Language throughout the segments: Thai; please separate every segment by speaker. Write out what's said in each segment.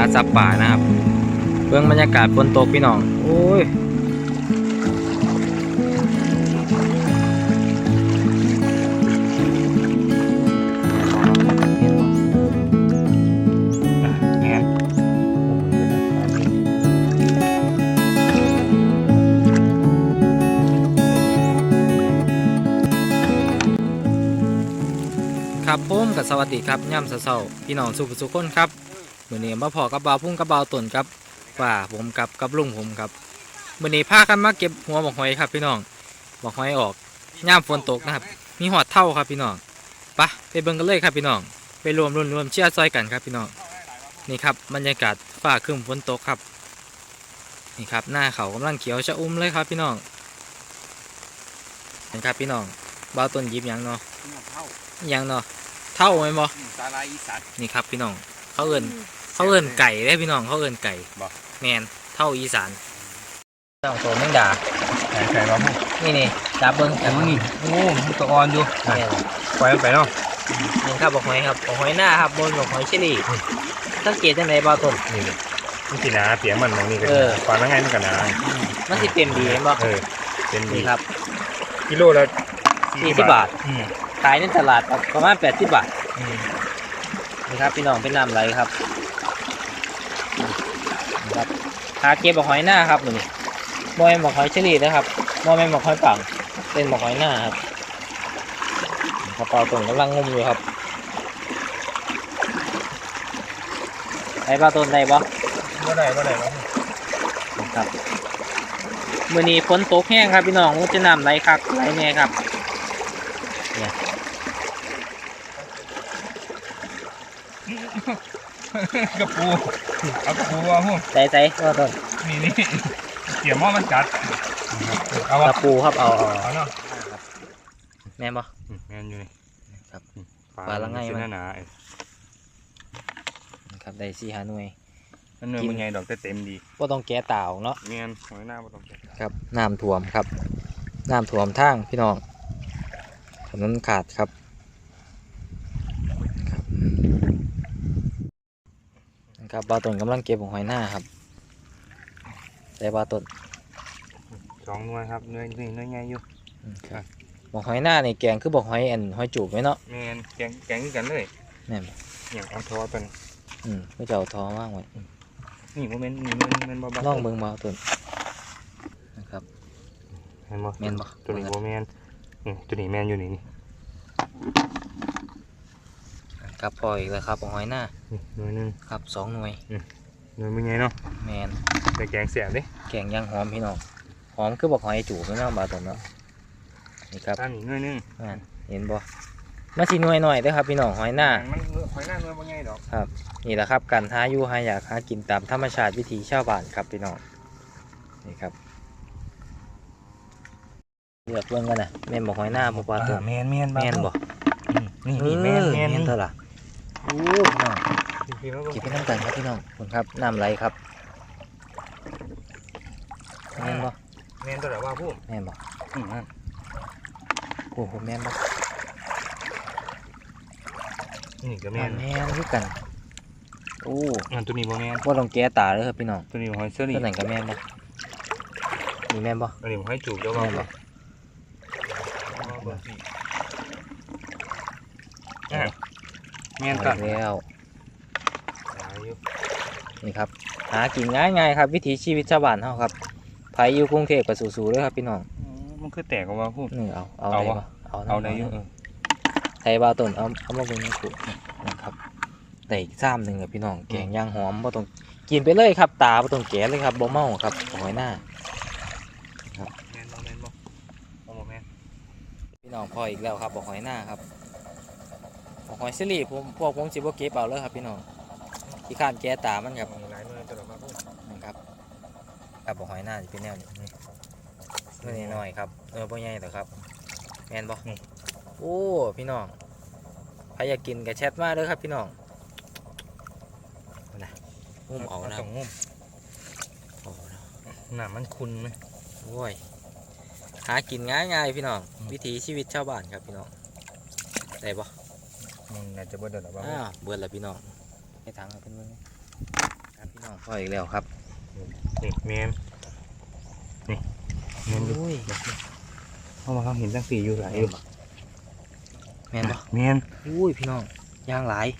Speaker 1: สับป่านะครับเบื้องบรรยากาศฝนตกพี่น้องโอ้ยครับผมกับสวัสดีครับย่ำเช้าๆพี่น้องสุขคนครับมื้อนี้มาพอกับบ่าวพุ่งกับบ่าวต้นครับว่าผมกับลุงผมครับมื้อนี้พากันมาเก็บหัวหมกหอยครับพี่น้องหมกหอยออกย่ำฝนตกนะครับมีหอดเท่าครับพี่น้องไปเบิ่งกันเลยครับพี่น้องไปรวมเชียร์ซอยกันครับพี่น้องนี่ครับบรรยากาศฟ้าครึ้มฝนตกครับนี่ครับหน้าเขากำลังเขียวชะอุ่มเลยครับพี่น้องเห็นครับพี่น้องบ่าวต้นยิบยังเนาะยังเนาะเท่าไหมบ่
Speaker 2: สาลายอีสาน
Speaker 1: นี่ครับพี่น้องเขาเอิ้นไก่ได้พี่น้องเขาเอิ้นไก่แมนเท่าอีสานต้องโตแมงดา
Speaker 2: ไก่บ้า
Speaker 1: นี่จับเบิ้งจับ
Speaker 2: นี่โอ้ตัวอ่อนอยู่ปล่อยมันไปเนาะ
Speaker 1: นี่ครับบอกหอยครับบอกหอยหน้าครับบนบอกหอยเชอรี่สังเกตจังไหนบ่ต้น
Speaker 2: นี่มันสีหนาเปียกมันมองนี่กันฟังแล้วไงมันกันหนา
Speaker 1: มันสิเต็มดีเห็นบ่
Speaker 2: เต็มดี
Speaker 1: ครับ
Speaker 2: กิโลละ
Speaker 1: 40 บาทขายในตลาดประมาณ80 บาทนี่ครับพี่น้องเป็นน้ำไหลครับครับหาเก็บบอกหอยหน้าครับนี่บ่แม่นบอกหอยเชอรี่นะครับบ่แม่นบอกหอยปังเป็นบอกหอยหน้าครับกระเป๋าต้นกำลังงมอยู่ครับได้ปลาต้นได้ปะ
Speaker 2: ได้
Speaker 1: ครับมื้อนี้ฝนตกแห้งครับพี่น้องมันจะน้ำไหลคักไหลแน่ครับเนี่ย
Speaker 2: กระปูเอากระปูเอาหู
Speaker 1: ใส่ปลาต้น
Speaker 2: นี่เกี่ยวหม้อมันจัด
Speaker 1: เอากระปูครับเอา
Speaker 2: เนาะ
Speaker 1: แม่นปะ
Speaker 2: แม่นอยู่นี่
Speaker 1: ครับปลาละไงมัน
Speaker 2: หนา
Speaker 1: ครับได้4-5 หน่วย
Speaker 2: นั่นเนื้อมันไงดอกเต็มดี
Speaker 1: ว่าต้องแก้ตาเนาะ
Speaker 2: แม่นหอยหน้าว่าต้องแก้
Speaker 1: ครับน้ำท่วมครับน้ำท่วมทางพี่น้องถนนขาดครับครับปลาต้นกำลังเก็บของหอยหน้าครับแต่ปลาต้น
Speaker 2: 2 หน่วยครับเนื้อใหญ่อยู่
Speaker 1: บอกหอยหน้านี่แกงคือบอกหอยหอยจูบไหมเนาะ
Speaker 2: แม่นแกงกันเลย
Speaker 1: แม่น
Speaker 2: อย่างเอาทอเป็น
Speaker 1: ก็จะเอาทอมากไว้
Speaker 2: นี่โมเมนต์
Speaker 1: บ้าล่องเบิ่งมาต้นนะครับ
Speaker 2: แม่นบ่ตัวนี้โมเมนต์ตัวนี้แม่นอยู่นี่
Speaker 1: ครับพออีกแล้วครับบอกหอยหน้า
Speaker 2: หน่วยนึง
Speaker 1: ครับ2 หน่วย
Speaker 2: หน่วยมึงไงเนาะ
Speaker 1: แม่น
Speaker 2: แต่แกงเสียบดิ
Speaker 1: แกงยังหอมพี่น้องหอมคือบอกหอยจูบไม่เนาะบาต้นเนาะนี่ครับ
Speaker 2: นี่หน่วยนึง
Speaker 1: เห็นบ่มาสิหน่วยหน่อยเด้อครับพี่น้องหอยหน้า
Speaker 2: มันหอยหน้าหน่วยบ่ใหญ่ดอก
Speaker 1: ครับนี่แหละครับการหาอยู่หาอยากหากินตามธรรมชาติวิถีชาวบ้านครับพี่น้องนี่ครับเลือกเบิ่งกันนะแม่นบอกหอยหน้าบ่ปลาตัว
Speaker 2: แม่น
Speaker 1: บ่
Speaker 2: นี่แม่น
Speaker 1: เท่าล่ะโอ้น้องกินเป็นน้ำกันครับพี่น้องคุณครับน้ำไหลครับแม่นบ่
Speaker 2: แม่นตัวไหนว่าพูด
Speaker 1: แม่นบ่โอ้โหแม่นบ่
Speaker 2: นี่ก็แม่น
Speaker 1: คือกันโอ้
Speaker 2: ตัวนี้บ่แม่น
Speaker 1: ว่าต้องแก้ตาเลยครับพี่น้อง
Speaker 2: ตัวนี้หอยเสื้อนี่
Speaker 1: ตัวไหนก็แม่นบ่นี่แม่นบ่
Speaker 2: ตัวนี้หอยจูบแล้วบ่แม่นกัน
Speaker 1: แล้วนี่ครับหากินง่ายๆครับวิถีชีวิตชาวบ้านเฮาครับไผอยู่กรุงเทพก็สู้ๆเลยครับพี่น้อง
Speaker 2: มันคือแตกออกมาพูด
Speaker 1: เอาได้บ่
Speaker 2: ได้อยู่
Speaker 1: ไทยบาต้นเอามาเบิ่งให้กูนะครับได้อีกซ้ำนึงครับพี่น้องแกงย่างหอมบ่ต้องกินไปเลยครับตาบ่ต้องแกะเลยครับบ่เมาครับหอยหน้าครับ
Speaker 2: แม่นบ่
Speaker 1: พี่น้องพออีกแล้วครับบ่หอยหน้าครับบ่หอยซิลี่พวกผมสิบ่เก็บเอาเลยครับพี่น้องที่ข้านแกะตามันครับนะครับครับบ่หอยหน้าสิเป็นแนวนี้นี่น้อยครับบ่ใหญ่หรอกครับแม่นบ่โอ้พี่น้องใครอยากกินกระแชทมาเลยครับพี่น้องนะงุ้มเอานะ
Speaker 2: งุ้มหนามันคุณไหม
Speaker 1: โอ้ยหากินง่ายๆพี่น้องวิถีชีวิตชาวบ้านครับพี่น้องได้ปะ
Speaker 2: น่าจะเบิดแล้วบ้าง
Speaker 1: เบิดแล้วพี่น้องให้ทางเป็นเมื่อพี่น้องพ่ออีกแล้วครับ
Speaker 2: นี่แมนนี่แมนอยู่
Speaker 1: อุ้ย
Speaker 2: เพราะว่าเขาเห็นตั้งสี่อยู่หลายอยู่
Speaker 1: แม่นบ่
Speaker 2: แมน
Speaker 1: อุ้ยพี่น้องย่างหลาย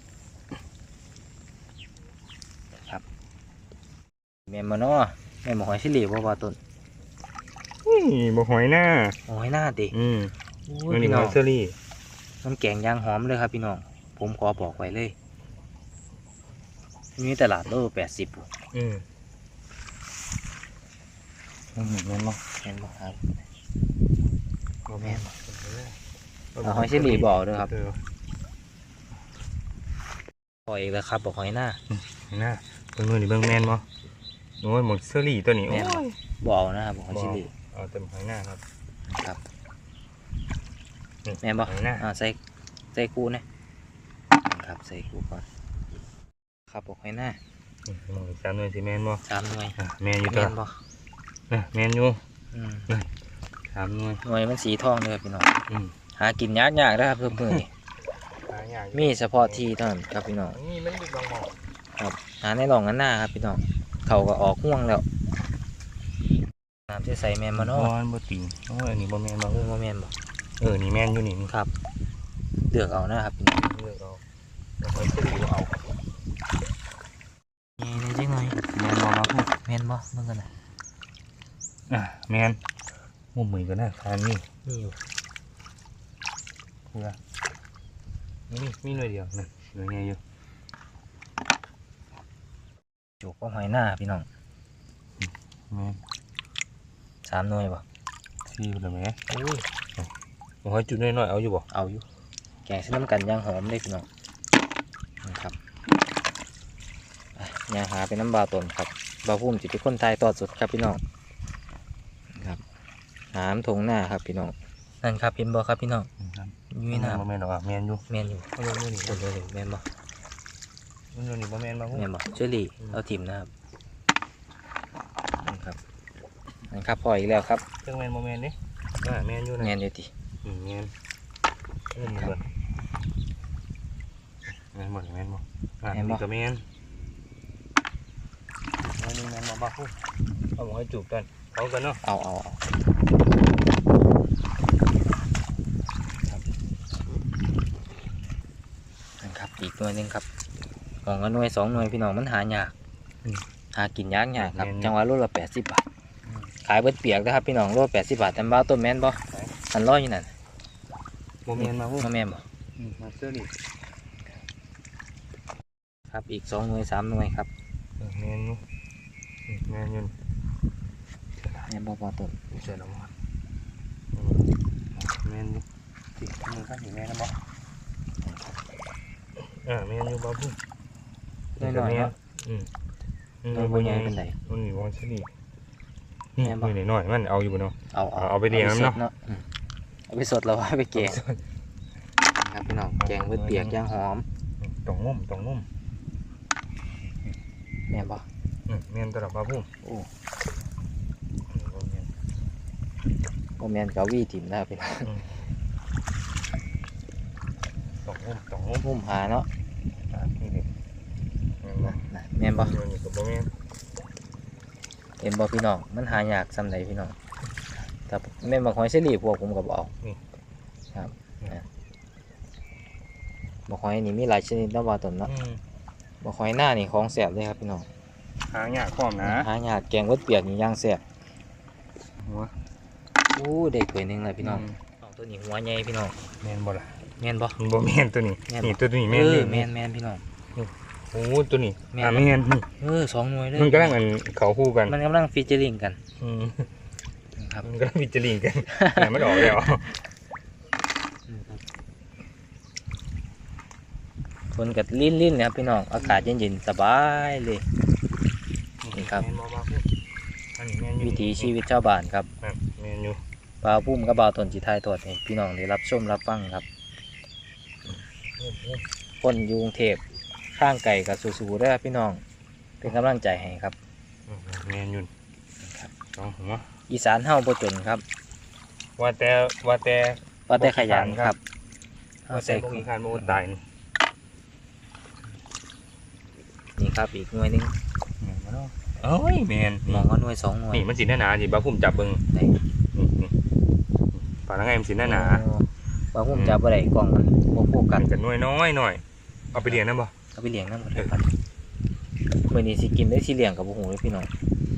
Speaker 1: ครับแม่นบ่เนาะแม่นบ่หอยชิลีบ่ว่าต้น
Speaker 2: นี่บ่หอยหน้า
Speaker 1: หอยหน้าติ
Speaker 2: อืม
Speaker 1: อุ้
Speaker 2: อั
Speaker 1: ย
Speaker 2: นนี้
Speaker 1: พี่
Speaker 2: ห
Speaker 1: น้อ
Speaker 2: อง ยเชอรี่
Speaker 1: น้ำแกงย่างหอมเลยครับพี่น้องผมขอบอกไว้เลยมีตลาดโล80พุ่น
Speaker 2: อืมแมนบ่
Speaker 1: แม่นบ่ครับ
Speaker 2: บ่แมนบ่
Speaker 1: เอาหอยเชอรี่บ่เอาเด้อครับ
Speaker 2: เออ
Speaker 1: พออีกแล้วครับบอกหอยหน้า
Speaker 2: หน้าเบิ่งมือนี่เบิ่งแมนบ่โอ้ยหมดเชอรี่ตัวนี้
Speaker 1: แม่นบ่
Speaker 2: โอ้ย
Speaker 1: บ่เอานะครับบอกหอยชิลี
Speaker 2: เอาเต็มหอยหน้าครับ
Speaker 1: ครับ
Speaker 2: นี่
Speaker 1: แม่นบ่
Speaker 2: หอยหน้า
Speaker 1: ใส่กูนะครับใส่กูก่อนครับบอกหอยหน้า
Speaker 2: มองสามหน่วยสิแมนบ่
Speaker 1: 3หน่วย
Speaker 2: แมนอยู่
Speaker 1: แม่
Speaker 2: ตัวน
Speaker 1: บ่
Speaker 2: แมนอยู่
Speaker 1: อืม
Speaker 2: สามหน่วย
Speaker 1: หน่วยมันสีทองเลยครับพี่น้อง
Speaker 2: อืม
Speaker 1: หากินยากนะครับเพิ่มมือนี่
Speaker 2: หาอย่าง
Speaker 1: มีเฉพาะที่เท่านั้นครับพี่น้อง
Speaker 2: นี่มันมีบางหมอก
Speaker 1: ครับหาในหลองกันหน้าครับพี่น้องเขาก็ออกห่วงแล้วน้ำจะใส่แมนมา
Speaker 2: บ
Speaker 1: เนาะ
Speaker 2: อนบ่ติงโอ้ยอันนี้บ่แมนบ่
Speaker 1: โอ้โมแมนบ่
Speaker 2: นี่แมนอยู่นี่
Speaker 1: ครับเลือกเอานะครับพี่น้อง
Speaker 2: เลือกเอาแล้วหอยเชอรี่บ่เอา
Speaker 1: นี่ในจังหน่อย
Speaker 2: แมนบ่มาพูด
Speaker 1: แมนบ่เบิ่งกันนะ
Speaker 2: แมนมุมมือก็น่าทานนี่
Speaker 1: นี่อยู่
Speaker 2: เพื่อมีหน่วยเดียวนะหน่วยใหญ่อยู่
Speaker 1: จูบก็หอยหน้าพี่น้อง
Speaker 2: แมน
Speaker 1: 3หน่วยบ่
Speaker 2: ซี่ไปเลยไหม
Speaker 1: อุ้ย
Speaker 2: หอยจุดน้อยๆเอาอยู่บ่
Speaker 1: เอาอยู่แกงใส่น้ำกันย่างหอมเลยพี่น้องนะครับอ่ะย่างหาเป็นน้ำบาตนครับบาพุ่มจิตเป็นคนไทยตอดสุดครับพี่น้องครับหามทงหน้าครับพี่น้องนั่นครับเห็นบ่ครับพี่น้องอยุ้ยน้
Speaker 2: บ่แมนหรอกแมนอยู่
Speaker 1: ำแมนอยู่
Speaker 2: เอาลงนี่
Speaker 1: คนเลยแมนบ่
Speaker 2: มันอยู่นี่บ่แมนบ่
Speaker 1: แมนบ่เชอรี่เอาถิ่มนะครับนั่นครับพออีกแล้วครับ
Speaker 2: เครื่องแมนบ่แมนนี่แมนอยู่นะ
Speaker 1: แมนอยู่ติ
Speaker 2: แมนเบิดแมนบ่แมนบ่นี่ก็แมนนี่แมนบ่บ้าพูดเอาหอยจูบกันเอากันเนาะ
Speaker 1: เอานั่นครับอีกหน่วยหนึงครับของกันหน่วย2หน่วยพี่น้องมันหายากหากินยากครับจังหวะโลละ80 บาทขายเบิดเปียกนะครับพี่น้องโล80 บาทแต่บ้าต้นแมนบ่อันร้อยอยู่นั่น
Speaker 2: บ่แมนมาพูด
Speaker 1: มาแม่นบ่
Speaker 2: มาเสื้อนี่
Speaker 1: ครับอีก2หน่วย3หน่วยครับ
Speaker 2: แมนอยู่แมนอยู่
Speaker 1: แม่นบ่พอต้น
Speaker 2: เสื้อละมันแมนอยู่สิมือข้างหินแมนนะบ่แมนอยู่บ้าพูด
Speaker 1: น้อยๆเนาะ
Speaker 2: มัน
Speaker 1: บ่ใหญ่เป็นได
Speaker 2: มันมีวางชนิดนี่มือหน่อยมันเอาอยู่บ่เนาะ
Speaker 1: เอา
Speaker 2: ไปเลี้ยงเนาะ
Speaker 1: เอาไปสดแล้วเอาไปแกงครับพี่น้องแกงเบิดเปียกย่างหอม
Speaker 2: ต้องงุ่ม
Speaker 1: แม่นบ่
Speaker 2: แมนตลอดบ้าพูด
Speaker 1: โอ้บ่แม่นเกาวีถิ่มนะครับพี่น้อง
Speaker 2: ต้องงุ่ม
Speaker 1: พุ่มหาเนาะ
Speaker 2: นี่ดิ
Speaker 1: นะแม่นบ่
Speaker 2: นี่ก็บ่แม่น
Speaker 1: เห็นบ่พี่น้องมันหายากซำใดพี่น้องแต่แม่นบ่หอยเชอรี่พวกผมก็บ่เอาครับบ่หอยนี่มีหลายชนิดเนาะว่าต้นเนาะบ่หอยหน้านี่ของแซ่บเลยครับพี่น้อง
Speaker 2: หางยากพร้อมนะ
Speaker 1: หายากแกงเบิดเปียกนี่ย่างแซ่บโอ้ได้ถ้วยหนึงแล้วพี่น้องตัวนี้หัวใหญ่พี่น้อง
Speaker 2: แม่นบ่ล่ะ
Speaker 1: แม่นบ่
Speaker 2: บ่แม่นตัวนี้นี่ตัวนี้แม่น
Speaker 1: แม่นแม่นพี่น้อง
Speaker 2: โอ้ตัวนี้
Speaker 1: แม่น
Speaker 2: แม่น
Speaker 1: 2หน่วยเลย
Speaker 2: มันกำลังเขาคู่กัน
Speaker 1: มันกำลังฟีเจอริงกันครับ
Speaker 2: มันกำลังวิจารณ์กันแต่ไม่ออกแล้ว
Speaker 1: ฝนกัดลิ้นๆนะครับพี่น้องอากาศเย็นๆสบายเลย นี่ครับ วิถีชีวิตชาวบ้านครับ
Speaker 2: แมนอยู่
Speaker 1: บ่าวพุ่มกับบ่าวตนจิไทยทอดให้พี่น้องได้รับชมรับฟังครับคนอยู่กรุงเทพข้างไก่กับสู้ๆเด้อพี่น้องเป็นกำลังใจให้ครับ
Speaker 2: แมนอยู่ต้องหัว
Speaker 1: อีสานเฮาบ่จนครับ
Speaker 2: ว่าแต่
Speaker 1: ว่าแต่ขยันครับเฮา
Speaker 2: ว่าแต่
Speaker 1: ใส่
Speaker 2: พวกมีการโมตายนี่
Speaker 1: นี่ครับอีกหน่วยหนึง
Speaker 2: เอ้ยแมน
Speaker 1: มองว่าหน่วย2หน่วย
Speaker 2: นี่มันสีหนาๆสิบ้าพุ่มจับเบิ่ง
Speaker 1: ไหน
Speaker 2: นี่ปลาละไงมันสีหนา
Speaker 1: โอ้บ่าวพุ่มจับบ่ได้กล้องมันบ่โฟ
Speaker 2: ๆ
Speaker 1: กั
Speaker 2: กั
Speaker 1: ส
Speaker 2: นกันน้อยน้อยหน่อยเอาไปเลี้ยงนะบ่
Speaker 1: เอาไปเลี้ยงนำหมดเลยครับมื้อนี้สิกินได้สิเลี้ยงกับบ่ฮู้เลยพี่น้อง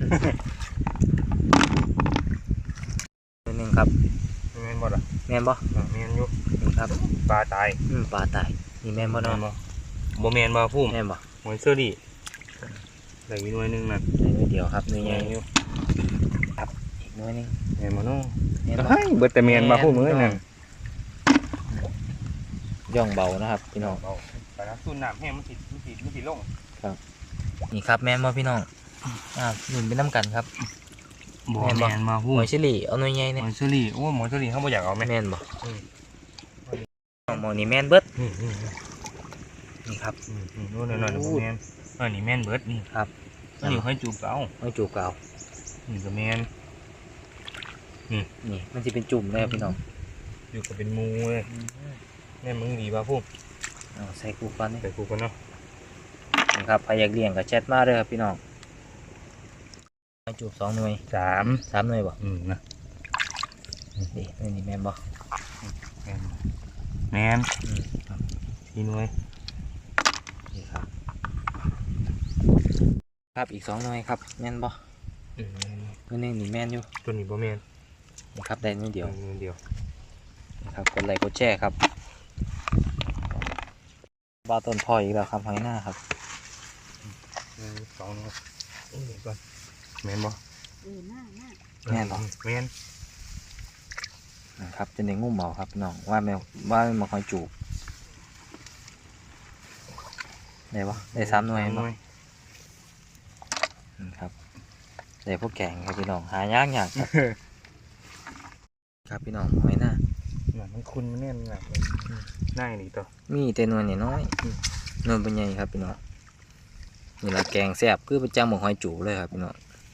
Speaker 1: ตัวนึงครับ
Speaker 2: แมนบ่ล่ะ
Speaker 1: แม่นบ่
Speaker 2: แมนอยู่
Speaker 1: นี่ครับ
Speaker 2: ปลาตาย
Speaker 1: ปลาตายนี่แม่นบ่
Speaker 2: แม
Speaker 1: เนาะ
Speaker 2: นบ่บ่แมนบ่พุ่ม
Speaker 1: แม่นบ่
Speaker 2: หอยเซอรี่ได้อีกหน่วยหนึงนั่น
Speaker 1: ได้หน่วยเดียวครับหน่วยให
Speaker 2: แม
Speaker 1: ญ่
Speaker 2: นอยู่
Speaker 1: อีกหน่วยหนึง
Speaker 2: แมนบ่เนาะ
Speaker 1: แม่นบ่
Speaker 2: เฮ้ยเบิดแต่แมนบ่พุ่มเอ้ยนั่น
Speaker 1: ย่องเบานะครับพี่น้อง
Speaker 2: เอาไปนะสูนน้ำแห้งมันสิลง
Speaker 1: นี่ครับแม่นบ่พี่น้องนุ่นไปน้ำกันครับ
Speaker 2: บ่
Speaker 1: แม่นบ่
Speaker 2: แมนมา
Speaker 1: ห
Speaker 2: พุ่ม
Speaker 1: อยเชอรี่เอาหน่วยใหญ่
Speaker 2: ห
Speaker 1: เนี่ย
Speaker 2: อยเซอรี่โอ้หอยเซอรี่เขาบ่อยากเอาไหม
Speaker 1: แม่นบ่
Speaker 2: อืม
Speaker 1: หมอนี่แม่นเบิด
Speaker 2: อืม
Speaker 1: นี่ครับ
Speaker 2: โน่นๆๆบ่แมนนี่แมนเบิดนี่
Speaker 1: ครับ
Speaker 2: อันนี้ให้จูบเอา
Speaker 1: หอยจูบเก่า
Speaker 2: นี่ก็แมน
Speaker 1: นี่มันจะเป็นจุ่มเลยครับพี่น้อง
Speaker 2: อยู่ก็เป็นหมูเลยแม่มึงดีป่ะพุ่ม
Speaker 1: เอาใส่กูก่อนนี่
Speaker 2: ใส่กูกันเนาะ
Speaker 1: ครับใครอยากเลี้ยงก็แชทมาเลยครับพี่น้องหอยจูบ2หน่วย
Speaker 2: 3
Speaker 1: 3หน่วยบ่
Speaker 2: นะ
Speaker 1: นี่แม่นบ่
Speaker 2: แมน
Speaker 1: ครับ
Speaker 2: 4หน่วย
Speaker 1: นี่ครับครับอีก2หน่วยครับแม่นบ่ตัวนึงนี่แม่นอยู่
Speaker 2: ตัวนี้บ่แมน
Speaker 1: นี่ครับได้หน่วยเดียว
Speaker 2: เดียว
Speaker 1: นะครับกดไลค์กดแชร์ครับบ้าต้นพออีกแล้วครับหอยหน้าครับ
Speaker 2: 2หน่วยก่อนแมนบ่
Speaker 1: แม่นบ่
Speaker 2: แมน
Speaker 1: นะครับจะได้งุ่มเอาครับพี่น้องว่าแมวว่ามันหอยจูบได้ปะได้3หน่วยบ่ครับได้พวกแกงครับพี่น้องหายากยากครับ ครับพี่น้องหอยหน้า
Speaker 2: มันคุณมันแน่นหนักเลยน่านี่ตัว
Speaker 1: มีแต่หน่วยน้อยหน่วยเป็นใหญ่ครับพี่น้องนี่ละแกงแซ่บคือประจำของหอยจูบเลยครับพี่น้อง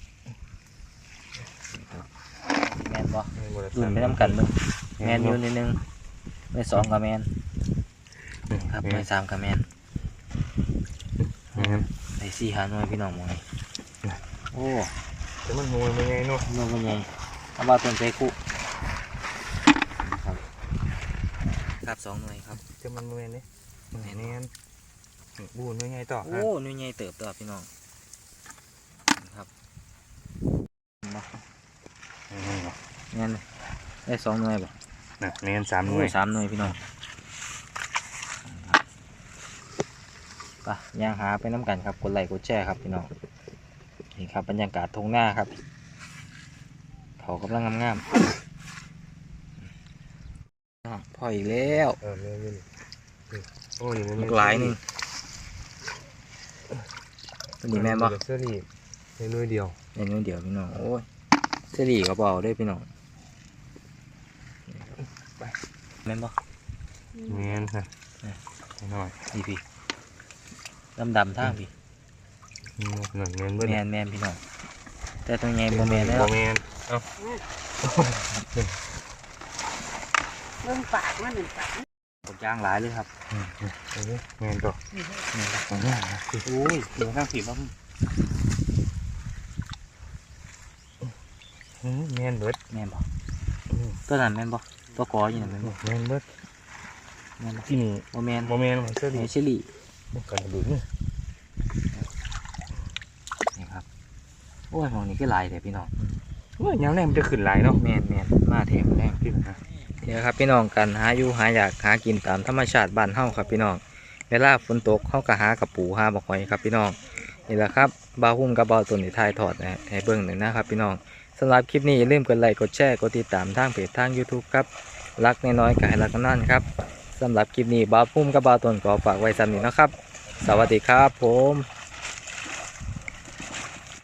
Speaker 1: ครับแม่นบ่รุ่นไปน้ำกันเบิ่งแมนอยู่นิดนึงไม่2กับแมนครับไม่3กับแมน
Speaker 2: แมน
Speaker 1: ได้4 5หน่วยพี่น้องหมองนี่โอ้
Speaker 2: แต่มันหน่วยมันไงเนาะ
Speaker 1: หน่วยเป็นใหญ่เอาบ้าต้นใจคุครับครับ2หน่วยครับ
Speaker 2: แต่มันแมนนี่แมนบูนมันไงต่อ
Speaker 1: โอ้หน่วยใหญ่เติบโตพี่น้องครับมาแม่นได้2หน่วยบ่
Speaker 2: น่ะแมน3หน่วย
Speaker 1: 3หน่วยพี่น้องไปย่างหาไปน้ำกันครับกดไลค์กดแชร์ครับพี่น้องนี่ครับบรรยากาศทงหน้าครับเขากำลังงามๆพออีกแล้ว
Speaker 2: แมนโอ้ยมัน
Speaker 1: หลายหนึงตัวนี้แม่นบ่
Speaker 2: เสื้อนี่ในหน่วยเดียว
Speaker 1: ในนู้นเดียวพี่น้องโอ้ยเสรีกระเป๋าด้วยพี่น้องแม่นบ่
Speaker 2: แมนนะหน่อย
Speaker 1: ดีพี่ดำท่าพี่
Speaker 2: หนึ่งแมนเบิ้ล
Speaker 1: แมนพี่น้องแต่ตัวใหญ่บ่แมนแล้ว
Speaker 2: บ่แมนเอ้า
Speaker 3: เรื่องปากมันหนึ่งปาก
Speaker 1: กดย่างหลายเลยครับ
Speaker 2: แมนต่อ
Speaker 1: แมนบ่
Speaker 2: ของเนี่ยโอ้ยเดี๋ยวนั่งผิดแล้วแมนเบิร์ด
Speaker 1: แมนบ่ตัวนั้นแมนบ่ตัวกออยู่นั่นแมนบ่
Speaker 2: แมนเบิร์ด
Speaker 1: แมนบ่
Speaker 2: ที่นี่
Speaker 1: บ่แมน
Speaker 2: บ่แมนเสื้อ
Speaker 1: ไอ
Speaker 2: ดี
Speaker 1: เชอรี่
Speaker 2: กันดูนี่
Speaker 1: นี่ครับโอ้ยมองนี่ก็หลายแต่พี่น้อง
Speaker 2: ว่ายังไงมันจะขึ้นหลายเนาะ
Speaker 1: แมนมาเทมแรง
Speaker 2: พี่นะ
Speaker 1: เดี๋ยวครับพี่น้องกันหาอยู่หาอยากหากินตามธรรมชาติบ้านเฮาครับพี่น้องเวลาฝนตกเฮาก็หากับปูหาบักหอยครับพี่น้องนี่แหละครับบ่าวหุ้มกับบ่าวตุ่นที่ถ่ายทอดให้เบิ่งหนึ่งนะครับพี่น้องสำหรับคลิปนี้อย่าลืมกดไลค์กดแชร์กดติดตามทางเพจทาง YouTube ครับรักน้อยๆก็ให้รักกันนั่นครับสำหรับคลิปนี้บ่าวหุ้มกับบ่าวตุ่นขอฝากไว้ซ้ำนี้นะครับสวัสดีครับผม